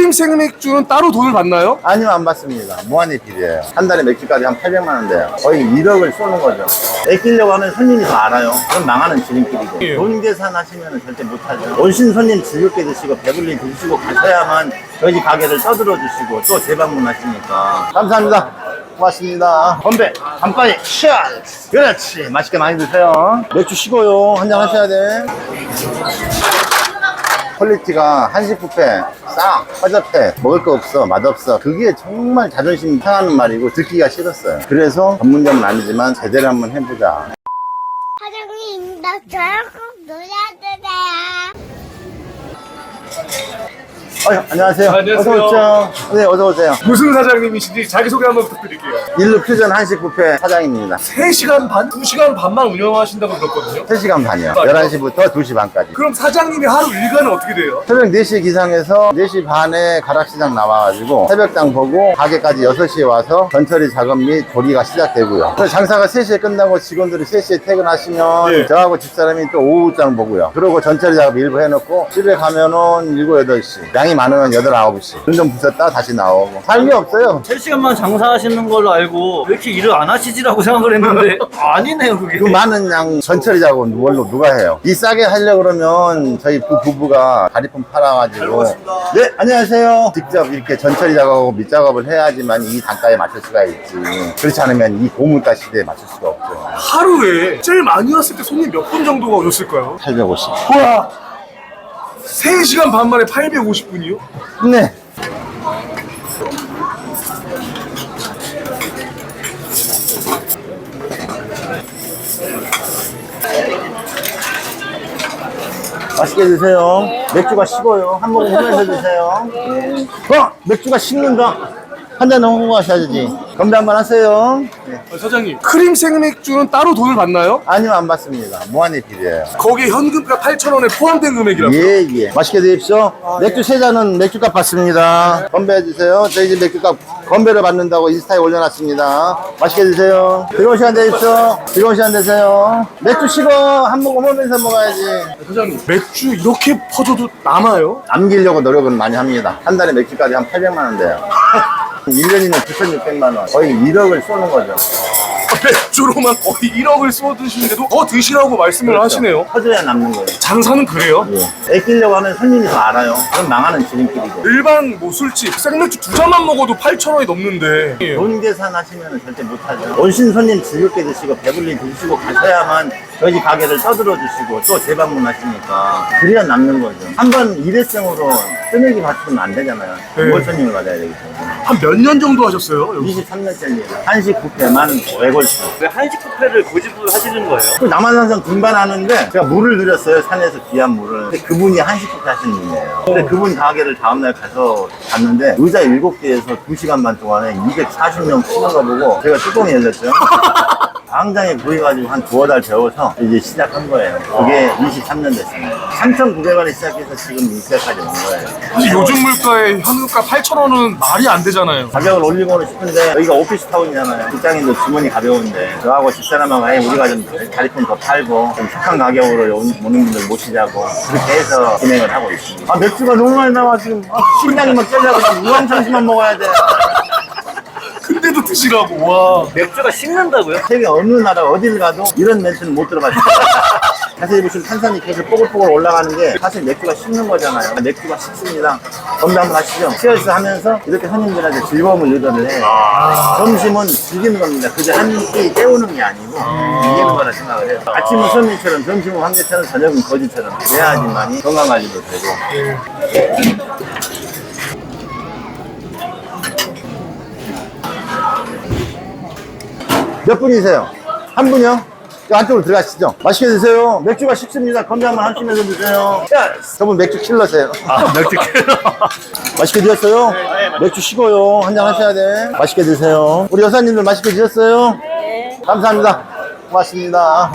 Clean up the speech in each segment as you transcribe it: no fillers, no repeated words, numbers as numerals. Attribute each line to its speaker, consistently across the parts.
Speaker 1: 크림 생맥주는 따로 돈을 받나요?
Speaker 2: 아니요, 안 받습니다. 무한리필이에요. 한 달에 맥주까지 한 800만 원 돼요. 거의 1억을 쏘는 거죠. 아끼려고 하면 손님이 더 알아요. 그럼 망하는 지름길이고.
Speaker 1: 예.
Speaker 2: 돈 계산하시면 절대 못하죠. 오신 손님 즐겁게 드시고 배불리 드시고 가셔야만 저희 가게를 떠들어 주시고 또 재방문하시니까. 감사합니다. 고맙습니다. 건배, 간파이, 샷! 그렇지. 맛있게 많이 드세요. 맥주 식어요. 한잔 하셔야 돼. 퀄리티가 한식 뷔페, 싸, 허접해, 먹을 거 없어, 맛없어. 그게 정말 자존심 상하는 말이고 듣기가 싫었어요. 그래서 전문점은 아니지만 제대로 한번 해보자.
Speaker 3: 사장님, 나 저랑 꼭 놀아주세요.
Speaker 2: 안녕하세요.
Speaker 1: 안녕하세요.
Speaker 2: 어서오세요. 네, 어서오세요.
Speaker 1: 무슨 사장님이신지 자기소개 한번 부탁드릴게요.
Speaker 2: 일루 퓨전 한식 뷔페 사장입니다.
Speaker 1: 3시간 반? 2시간 반만 운영하신다고 들었거든요.
Speaker 2: 3시간 반이요. 11시부터 2시 반까지.
Speaker 1: 그럼 사장님이 하루 일과는 어떻게 돼요?
Speaker 2: 새벽 4시 기상해서 4시 반에 가락시장 나와가지고 새벽장 보고 가게까지 6시에 와서 전처리 작업 및 조리가 시작되고요. 그래서 장사가 3시에 끝나고 직원들이 3시에 퇴근하시면
Speaker 1: 예.
Speaker 2: 저하고 집사람이 또 오후장 보고요. 그러고 전처리 작업 일부 해놓고 집에 가면은 7, 8시. 양이 많으면 8, 9시. 눈 좀 부셨다 다시 나오고. 살 게 없어요.
Speaker 4: 3시간만 장사하시는 걸로 알고 왜 이렇게 일을 안 하시지라고 생각을 했는데 아니네요 그게.
Speaker 2: 그 많은 양 전처리 작업은 뭘로 누가 해요? 이 싸게 하려고 그러면 저희 부부가 다리품 팔아가지고. 네, 안녕하세요. 직접 이렇게 전처리 작업하고 밑작업을 해야지만 이 단가에 맞출 수가 있지. 그렇지 않으면 이 고물가 시대에 맞출 수가 없죠.
Speaker 1: 하루에 제일 많이 왔을 때 손님 몇 분 정도가 오셨을까요?
Speaker 2: 850.
Speaker 1: 우와! 3시간 반 만에 850분이요?
Speaker 2: 네. 맛있게 드세요. 맥주가 식어요. 한 모금 흐면서 드세요. 맥주가 식는다. 한 잔 넘고 가셔야지. 건배 한번 하세요. 네.
Speaker 1: 사장님, 크림 생맥주는 따로 돈을 받나요?
Speaker 2: 아니요, 안 받습니다. 무한리필이에요.
Speaker 1: 거기에 현금가 8,000원에 포함된 금액이라고.
Speaker 2: 예. 맛있게 드십시오. 맥주 3잔은 맥주값 받습니다. 건배해 주세요. 저희 집 맥주값 건배를 받는다고 인스타에 올려놨습니다. 맛있게 드세요. 즐거운 시간 되십시오. 즐거운 시간 되세요. 맥주 식어. 한 모금 흐면서 먹어야지.
Speaker 1: 사장님, 맥주 이렇게 퍼져도 남아요?
Speaker 2: 남기려고 노력은 많이 합니다. 한 달에 맥주까지 한 800만 원 돼요. 1년이면 9,600만 원. 거의 1억을 쏘는 거죠.
Speaker 1: 맥주로만 거의 1억을 쏟으시는데도 더 드시라고 말씀을 하시네요.
Speaker 2: 퍼져야 남는 거예요.
Speaker 1: 장사는 그래요?
Speaker 2: 예. 아끼려고 하면 손님이 더 알아요. 그럼 망하는 지름길이고.
Speaker 1: 일반 뭐 술집 생맥주 2잔만 먹어도 8,000원이 넘는데
Speaker 2: 돈 계산하시면 절대 못하죠. 오신 손님 즐겁게 드시고 배불리 드시고 가셔야만 저희 가게를 떠들어 주시고 또 재방문하시니까 그래야 남는 거죠. 한번 일회성으로 뜨내기 받으면 안 되잖아요. 뭘 손님을 받아야 되기 때문에.
Speaker 1: 한 몇 년 정도 하셨어요? 여기?
Speaker 2: 23년째입니다. 한식 뷔페만 외골수.
Speaker 4: 왜 한식 뷔페를 고집을 하시는 거예요?
Speaker 2: 그 남한산성 등반하는데 제가 물을 드렸어요. 산에서 귀한 물을. 근데 그분이 한식 뷔페 하시는 분이에요. 근데 그분 가게를 다음날 가서 갔는데 의자 7개에서 2시간 반 동안에 240명 치는 거 보고 제가 뚜껑이 열렸죠. 당장에 보여가지고 한 2달 배워서 이제 시작한 거예요. 그게 23년 됐습니다. 3,900원에 시작해서 지금 이때까지 온 거예요.
Speaker 1: 근데 요즘 물가에 현금가 8,000원은 말이 안 되잖아요.
Speaker 2: 가격을 올리고는 싶은데 여기가 오피스타운이잖아요. 직장인도 주머니 가벼운데 저하고 집사람하고 우리가 좀 자리품 더 팔고 좀 착한 가격으로 오는 분들 모시자고 그렇게 해서 진행을 하고 있습니다. 맥주가 너무 많이 나와 지금. 심장이 막 쫄려고 우황청심만 먹어야 돼.
Speaker 1: 근데도 드시라고. 와.
Speaker 4: 맥주가 식는다고요?
Speaker 2: 세계 어느 나라 어딜 가도 이런 멘트는 못 들어봤어요. 자세히 보시면 탄산이 계속 뽀글뽀글 올라가는 게 사실 맥주가 식는 거잖아요. 맥주가 식습니다. 건배 한번 하시죠. 치얼스 하면서 이렇게 손님들한테 즐거움을 유도를 해요. 점심은 즐기는 겁니다. 그저 한 끼 때우는 게 아니고 즐기는 거라 생각을 해요. 아침은 손님처럼, 점심은 황제처럼, 저녁은 거지처럼 그래야지만이 건강관리도 되고. 몇 분이세요? 한 분이요? 안쪽으로 들어가시죠. 맛있게 드세요. 맥주가 식습니다. 건배 한번 하시면서 드세요. 저분 맥주 킬러세요.
Speaker 4: 맥주 킬러.
Speaker 2: 맛있게 드셨어요? 맥주 식어요. 한잔 하셔야 돼. 맛있게 드세요. 우리 여사님들 맛있게 드셨어요? 네. 감사합니다. 고맙습니다.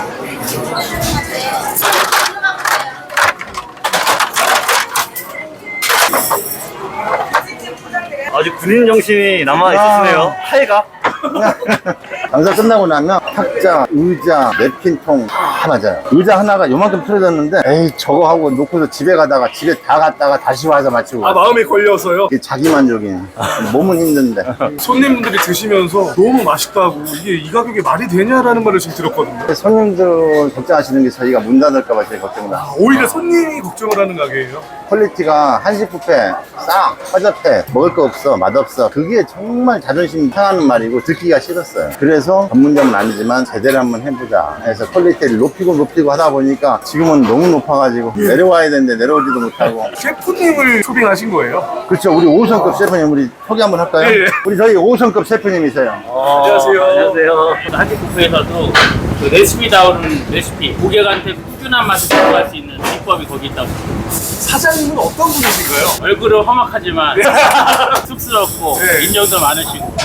Speaker 4: 아주 군인 정신이 남아있으시네요. 팔가?
Speaker 2: 장사 끝나고 나면 탁자, 의자, 냅킨통 다 다 맞아요. 의자 하나가 요만큼 틀어졌는데 에이 저거 하고 놓고서 집에 가다가 집에 다 갔다가 다시 와서 맞추고
Speaker 1: 아, 마음에 걸려서요?
Speaker 2: 이게 자기 만족이에요. 몸은 힘든데.
Speaker 1: 손님분들이 드시면서 너무 맛있다고 이게 이 가격에 말이 되냐라는 말을 지금 들었거든요.
Speaker 2: 손님들 걱정하시는 게 저희가 문 닫을까봐 제일 걱정나.
Speaker 1: 아, 오히려 손님이 걱정을 하는 가게예요?
Speaker 2: 퀄리티가 한식 뷔페 싹 허접해, 먹을 거 없어, 맛없어. 그게 정말 자존심 상하는 말이고 듣기가 싫었어요. 그래서 전문점은 아니지만 제대로 한번 해보자 해서 퀄리티를 높이고 하다 보니까 지금은 너무 높아가지고 내려와야 되는데 내려오지도 못하고.
Speaker 1: 셰프님을 초빙하신 거예요?
Speaker 2: 그렇죠. 우리 5성급 셰프님 우리 소개 한번 할까요?
Speaker 1: 예, 예.
Speaker 2: 우리 저희 5성급 셰프님이세요.
Speaker 1: 안녕하세요.
Speaker 4: 안녕하세요.
Speaker 5: 한식 뷔페에서도 그 레시피 나오는 레시피 고객한테 꾸준한 맛을 제공할 수 있는 비법이 거기 있다고.
Speaker 1: 사장님은 어떤 분이신가요?
Speaker 5: 얼굴은 험악하지만 쑥스럽고
Speaker 1: 네.
Speaker 5: 인정도 많으시고.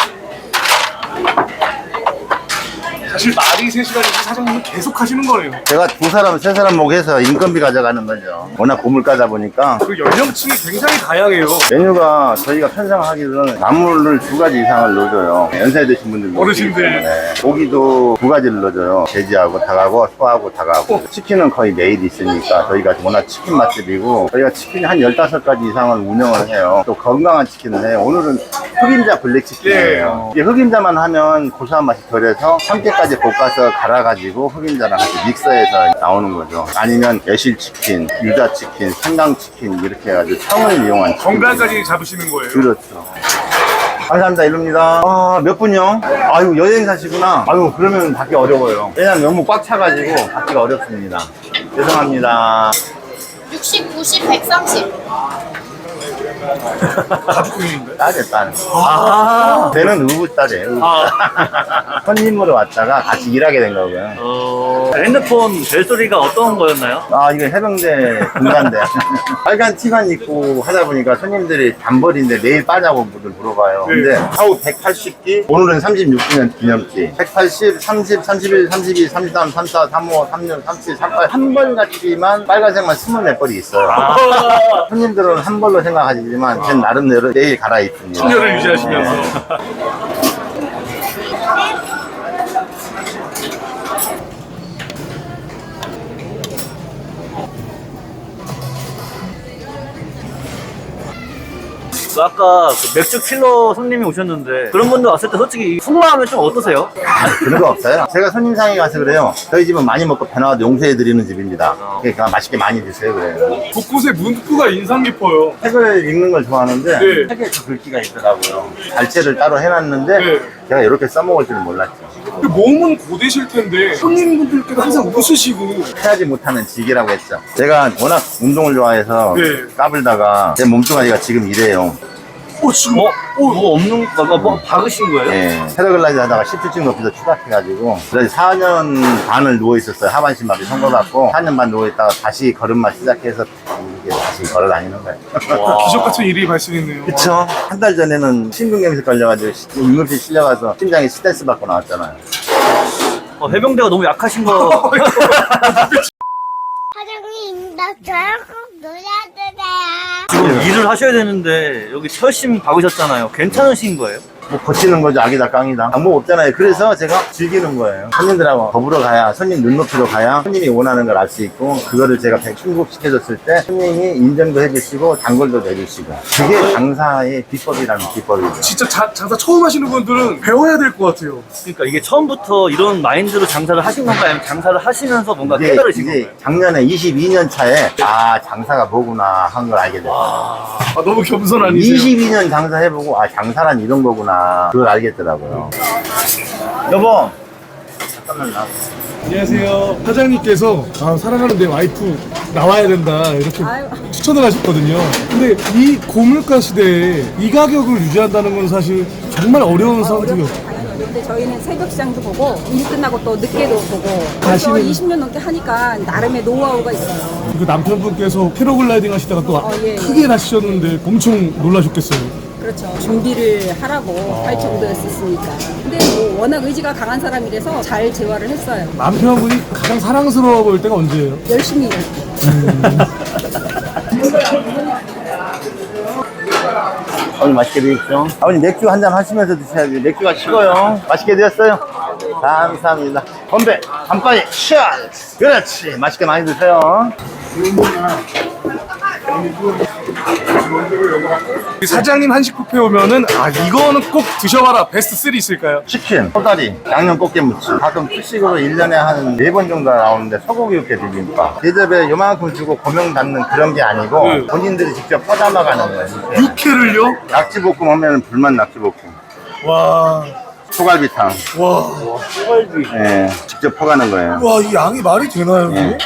Speaker 1: 사실 말이 3시간이지 사장님은 계속 하시는 거네요.
Speaker 2: 제가 2사람, 3사람 목해서 인건비 가져가는 거죠. 워낙 고물가다 보니까.
Speaker 1: 그 연령층이 굉장히 다양해요.
Speaker 2: 메뉴가 저희가 편성하기로는 나물을 2가지 이상을 넣어줘요. 연세 드신 분들
Speaker 1: 어르신들.
Speaker 2: 때문에. 고기도 2가지를 넣어줘요. 돼지하고 닭하고 소하고 닭하고. 치킨은 거의 매일 있으니까 저희가 워낙 치킨 맛집이고 저희가 치킨 한 15가지 이상을 운영을 해요. 또 건강한 치킨을 해요. 오늘은 흑임자 블랙치킨이에요. 이게 흑임자만 하면 고소한 맛이 덜해서 참깨까지 볶아서 갈아가지고 흑임자랑 같이 믹서해서 나오는 거죠. 아니면 매실치킨, 유자치킨, 생강치킨 이렇게 해가지고 청을 이용한 치킨.
Speaker 1: 건강까지 잡으시는 거예요.
Speaker 2: 그렇죠. 감사합니다. 이릅니다. 아, 몇 분요? 아유, 여행사시구나. 아유, 그러면 받기 어려워요. 왜냐면 너무 꽉 차가지고 받기가 어렵습니다. 죄송합니다.
Speaker 6: 60, 90, 130.
Speaker 1: 가족분인가요?
Speaker 2: 딸이에요, 딸.
Speaker 4: 아.
Speaker 2: 걔는 의붓딸이에요, 의붓딸. 손님으로 왔다가 같이 일하게 된 거고요.
Speaker 4: 핸드폰 벨소리가 어떤 거였나요?
Speaker 2: 아, 이거 해병대 군간대. 빨간 티만 입고 하다 보니까 손님들이 단벌인데 내일 빠냐고 물어봐요. 근데 하우 180기, 오늘은 36주년 기념기. 180, 30, 31, 32, 33, 34, 35, 36, 37, 38. 한 벌 같지만 빨간색만 24벌이 있어요. 손님들은 한 벌로 생각하시지만 전 나름대로 내일 갈아입습니다.
Speaker 1: 신뢰를 유지하시면서.
Speaker 4: 그 아까 그 맥주 킬러 손님이 오셨는데 그런 분들 왔을 때 솔직히 풍부하면 좀 어떠세요?
Speaker 2: 그런 거 없어요. 제가 손님상에 가서 그래요. 저희 집은 많이 먹고 배나와도 용서해드리는 집입니다. 그러니까 맛있게 많이 드세요. 그래요.
Speaker 1: 곳곳에 문구가 인상 깊어요.
Speaker 2: 책을 읽는 걸 좋아하는데
Speaker 1: 네.
Speaker 2: 책에 그 글귀가 있더라고요. 발제를 따로 해놨는데
Speaker 1: 네.
Speaker 2: 제가 이렇게 써먹을 줄 몰랐죠.
Speaker 1: 근데 몸은 고되실 텐데 손님분들께도 항상 웃으시고.
Speaker 2: 해야지 못하는 직이라고 했죠. 제가 워낙 운동을 좋아해서
Speaker 1: 네.
Speaker 2: 까불다가 제 몸뚱아리가 지금 이래요.
Speaker 1: 지금
Speaker 4: 뭐 없는 거, 뭐 박으신 거예요?
Speaker 2: 예, 패러글라이딩 하다가 10주쯤 높이서 추락해가지고 그래서 4년 반을 누워있었어요. 하반신마비 선고받고 4년 반 누워있다가 다시 걸음마 시작해서 이게 다시 걸어다니는 거예요.
Speaker 1: 기적 같은 일이 발생했네요.
Speaker 2: 그쵸. 한 달 전에는 심근경색 걸려가지고 응급실 실려가서 심장에 스트레스 받고 나왔잖아요.
Speaker 4: 해병대가 너무 약하신 거.
Speaker 3: 사장님, 나 저랑 꼭 놀아주세요.
Speaker 4: 지금 일을 하셔야 되는데 여기 철심 박으셨잖아요. 괜찮으신 거예요?
Speaker 2: 뭐 버티는 거죠. 악이다 깡이다. 방법 없잖아요. 그래서 제가 즐기는 거예요. 손님들하고 더불어 가야, 손님 눈높이로 가야 손님이 원하는 걸 알 수 있고, 그거를 제가 충족시켜줬을 때 손님이 인정도 해주시고 단골도 내주시고, 그게 장사의 비법이라는 비법이죠.
Speaker 1: 진짜 장사 처음 하시는 분들은 배워야 될 것 같아요.
Speaker 4: 그러니까 이게 처음부터 이런 마인드로 장사를 하신 건가요? 아니면 장사를 하시면서 뭔가
Speaker 2: 이제
Speaker 4: 깨달으신 건가요?
Speaker 2: 작년에 22년 차에 아 장사가 뭐구나 한 걸 알게 됐어요.
Speaker 1: 아, 너무 겸손하니세요.
Speaker 2: 22년 장사해보고 아 장사란 이런 거구나 그걸 알겠더라고요. 여보 잠깐만 나.
Speaker 1: 안녕하세요. 사장님께서 사랑하는 내 와이프 나와야 된다 이렇게 추천을 하셨거든요. 근데 이 고물가 시대에 이 가격을 유지한다는 건 사실 정말 어려운 상황이에요.
Speaker 7: 근데 저희는 새벽 시장도 보고 일 끝나고 또 늦게도 보고 그래서
Speaker 1: 가시는-
Speaker 7: 20년 넘게 하니까 나름의 노하우가 있어요.
Speaker 1: 그 남편분께서 패러글라이딩 하시다가 또
Speaker 7: 예, 예.
Speaker 1: 크게 다치셨는데 엄청 놀라셨겠어요.
Speaker 7: 그렇죠. 준비를 하라고 할 정도였었으니까. 근데 뭐 워낙 의지가 강한 사람이라서 잘 재활을 했어요.
Speaker 1: 남편분이 가장 사랑스러워 보일 때가 언제예요?
Speaker 7: 열심히 일했고.
Speaker 2: 오늘 맛있게 드십시오. 아버님 맥주 한잔 하시면서 드셔야지. 맥주가 식어요. 맛있게 드셨어요? 감사합니다. 건배, 간파이, 치얼스. 그렇지. 맛있게 많이 드세요.
Speaker 1: 사장님 한식 뷔페 오면은 아 이거는 꼭 드셔봐라 베스트 3 있을까요?
Speaker 2: 치킨, 소다리, 양념 꽃게무침. 가끔 특식으로 1년에 한 4번 정도 나오는데 소고기 육회 비빔밥. 대접에 요만큼 주고 고명 담는 그런 게 아니고
Speaker 1: 네.
Speaker 2: 본인들이 직접 퍼담아 가는 거예요. 이렇게.
Speaker 1: 육회를요?
Speaker 2: 낙지볶음 하면 불만 낙지볶음.
Speaker 1: 와,
Speaker 2: 소갈비탕.
Speaker 1: 와,
Speaker 2: 예, 직접 퍼가는 거예요.
Speaker 1: 와, 이 양이 말이 되나요?
Speaker 2: 예.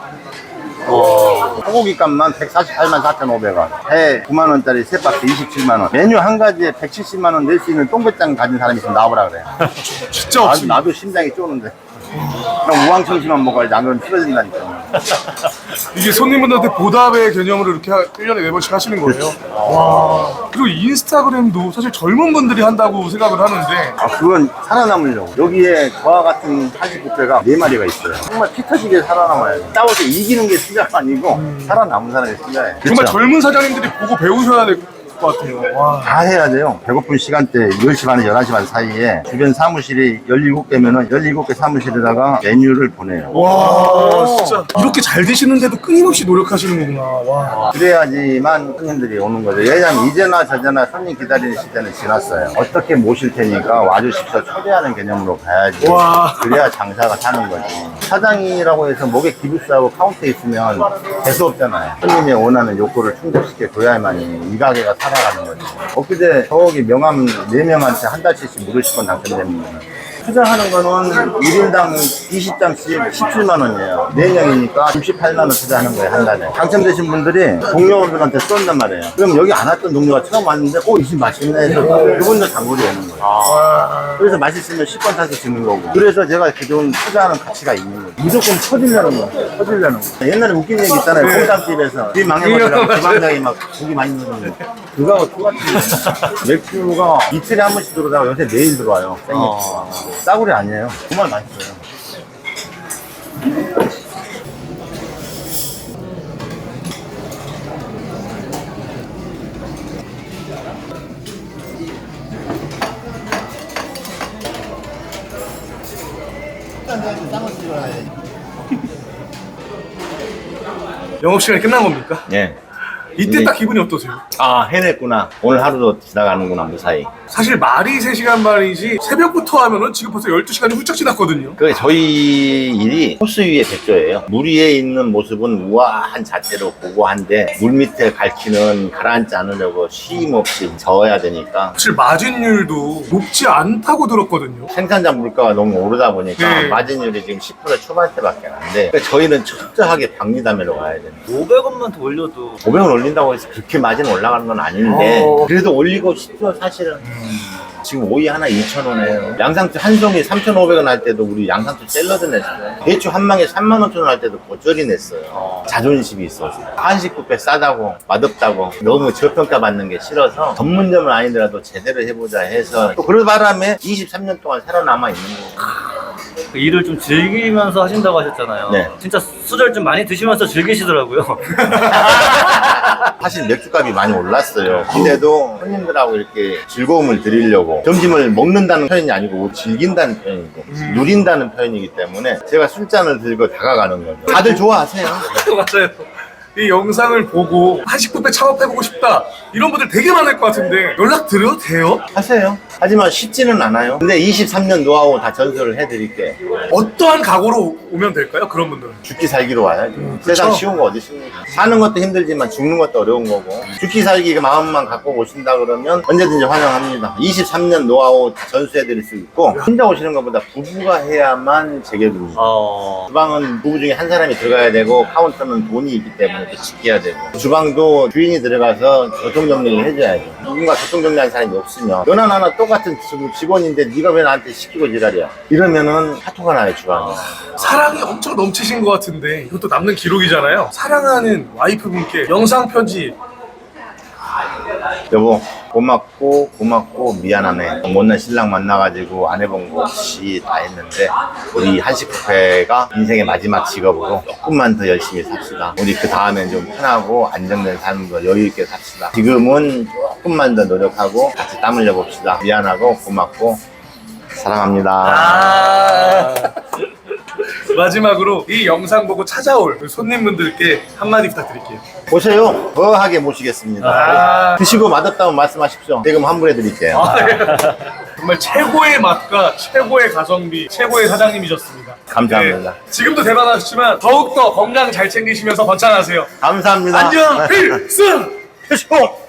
Speaker 2: 소고기 값만 148만 4,500원. 회 9만원짜리 세 박스 27만원. 메뉴 한 가지에 170만원 낼 수 있는 똥배짱 가진 사람이 있으면 나와보라 그래요.
Speaker 1: 진짜 없습니다.
Speaker 2: 나도 심장이 쪼는데. 그럼 우왕청심만 먹어야지. 안 그러면 쓰러진다니까.
Speaker 1: 이게 손님분들한테 보답의 개념으로 이렇게 1년에 4번씩 하시는 거예요? 와. 그리고 인스타그램도 사실 젊은 분들이 한다고 생각을 하는데
Speaker 2: 아, 그건 살아남으려고. 여기에 저와 같은 한식 뷔페가 4마리가 있어요. 정말 피 터지게 살아남아야 돼. 싸워서 이기는 게 승자가 아니고 살아남은 사람이 승자예요.
Speaker 1: 정말
Speaker 2: 그쵸?
Speaker 1: 젊은 사장님들이 보고 배우셔야 될 것 같아요. 와.
Speaker 2: 다 해야 돼요. 배고픈 시간대 10시 반에 11시 반 사이에 주변 사무실이 17개면은 17개 사무실에다가 메뉴를 보내요.
Speaker 1: 와, 진짜 이렇게 잘 되시는데도 끊임없이 노력하시는 거구나. 와.
Speaker 2: 그래야지만 손님들이 오는 거죠. 왜냐면 이제나 저제나 손님 기다리는 시대는 지났어요. 어떻게 모실 테니까 와주십시오. 초대하는 개념으로 가야지.
Speaker 1: 와.
Speaker 2: 그래야 장사가 사는 거지. 사장이라고 해서 목에 기부스하고 카운터에 있으면 재수 없잖아요. 손님이 원하는 욕구를 충족시켜 줘야만이 이 가게가 살아가는 거지. 엊그제 저기 명함 4명한테 한 달씩 무료식권 당첨됩니다. 투자하는 거는 1인당 20장씩 17만 원이에요. 4명이니까 68만 원 투자하는 거예요, 한 달에. 당첨되신 분들이 동료분들한테 쏜단 말이에요. 그럼 여기 안 왔던 동료가 처음 왔는데, 이 집 맛있네 해서 그분도 단골이 오는 거예요. 그래서 맛있으면 10번 타서 주는 거고. 그래서 제가 이렇게 좀 투자하는 가치가 있는 거예요. 무조건 퍼지려는 거예요. 퍼지려는 거예요. 옛날에 웃긴 얘기 있잖아요. 콩담집에서 집 망해버리라고 주방장이 막 고기 많이 넣는 거. 그거하고 똑같은 맥주가 이틀에 한 번씩 들어오다가 요새 매일 들어와요. 생맥주가. 싸구려 아니에요. 정말 맛있어요.
Speaker 1: 영업시간이 끝난 겁니까?
Speaker 2: 예.
Speaker 1: 이때 딱 기분이 어떠세요?
Speaker 2: 아, 해냈구나. 오늘 하루도 지나가는구나, 무사히.
Speaker 1: 사실 말이 3시간 반이지 새벽부터 하면은 지금 벌써 12시간이 훌쩍 지났거든요.
Speaker 2: 그 저희 일이 호수 위에 백조예요. 물 위에 있는 모습은 우아한 자체로 고고한데 물 밑에 갈퀴는 가라앉지 않으려고 쉼 없이 저어야 되니까
Speaker 1: 사실 마진율도 높지 않다고 들었거든요.
Speaker 2: 생산자 물가가 너무 오르다 보니까
Speaker 1: 네.
Speaker 2: 마진율이 지금 10% 초반대밖에 안 돼. 그러니까 저희는 철저하게 박리담회로 가야 돼요.
Speaker 4: 500원만 더 올려도
Speaker 2: 500원 올린다고 해서 그렇게 마진 올라가는 건 아닌데 그래도 올리고 싶죠 사실은. 지금 오이 하나 2,000원이에요. 양상추 한 송이 3,500원 할 때도 우리 양상추 샐러드 냈어요. 배추 한 망에 35,000원 할 때도 고절이 냈어요. 자존심이 있어서. 한식 뷔페 싸다고 맛없다고 너무 저평가 받는 게 싫어서 전문점은 아니더라도 제대로 해보자 해서 또 그런 바람에 23년 동안 살아남아 있는 거예요.
Speaker 4: 그 일을 좀 즐기면서 하신다고 하셨잖아요.
Speaker 2: 네.
Speaker 4: 진짜 술을 좀 많이 드시면서 즐기시더라고요.
Speaker 2: 사실 맥주값이 많이 올랐어요. 근데도 손님들하고 이렇게 즐거움을 드리려고 점심을 먹는다는 표현이 아니고 즐긴다는 표현이고 누린다는 표현이기 때문에 제가 술잔을 들고 다가가는 거죠. 다들 좋아하세요.
Speaker 1: 맞아요. 이 영상을 보고 한식 뷔페 창업해보고 싶다 이런 분들 되게 많을 것 같은데 연락 드려도 돼요?
Speaker 2: 하세요. 하지만 쉽지는 않아요. 근데 23년 노하우 다 전수를 해드릴게.
Speaker 1: 어떠한 각오로 오면 될까요? 그런 분들은
Speaker 2: 죽기 살기로 와야죠. 세상 쉬운 거 어디 있습니까? 사는 것도 힘들지만 죽는 것도 어려운 거고 죽기 살기 마음만 갖고 오신다 그러면 언제든지 환영합니다. 23년 노하우 다 전수해드릴 수 있고 혼자 오시는 것보다 부부가 해야만 제격입니다. 주방은 부부 중에 한 사람이 들어가야 되고 카운터는 돈이 있기 때문에 또 지켜야 되고 주방도 주인이 들어가서 교통정리를 해줘야죠. 누군가 교통정리하는 사람이 없으면 너나 나나 똑같은 직원인데 네가 왜 나한테 시키고 지랄이야 이러면은 사토가 나요 주방에.
Speaker 1: 사랑이 엄청 넘치신 것 같은데 이것도 남는 기록이잖아요. 사랑하는 와이프분께 영상 편지.
Speaker 2: 여보 고맙고 미안하네. 못난 신랑 만나가지고 안 해본 거 없이 다 했는데 우리 한식 뷔페가 인생의 마지막 직업으로 조금만 더 열심히 삽시다. 우리 그 다음엔 좀 편하고 안정된 삶으로 여유 있게 삽시다. 지금은 조금만 더 노력하고 같이 땀 흘려 봅시다. 미안하고 고맙고 사랑합니다.
Speaker 1: 아. 마지막으로 이 영상 보고 찾아올 손님분들께 한마디 부탁드릴게요.
Speaker 2: 오세요. 거하게 모시겠습니다.
Speaker 1: 아.
Speaker 2: 드시고 맛없다면 말씀하십시오. 대금 환불해 드릴게요.
Speaker 1: 정말 최고의 맛과 최고의 가성비, 최고의 사장님이셨습니다.
Speaker 2: 감사합니다.
Speaker 1: 네, 지금도 대단하시지만 더욱더 건강 잘 챙기시면서 번창하세요.
Speaker 2: 감사합니다.
Speaker 1: 안녕 필승!
Speaker 2: 필승!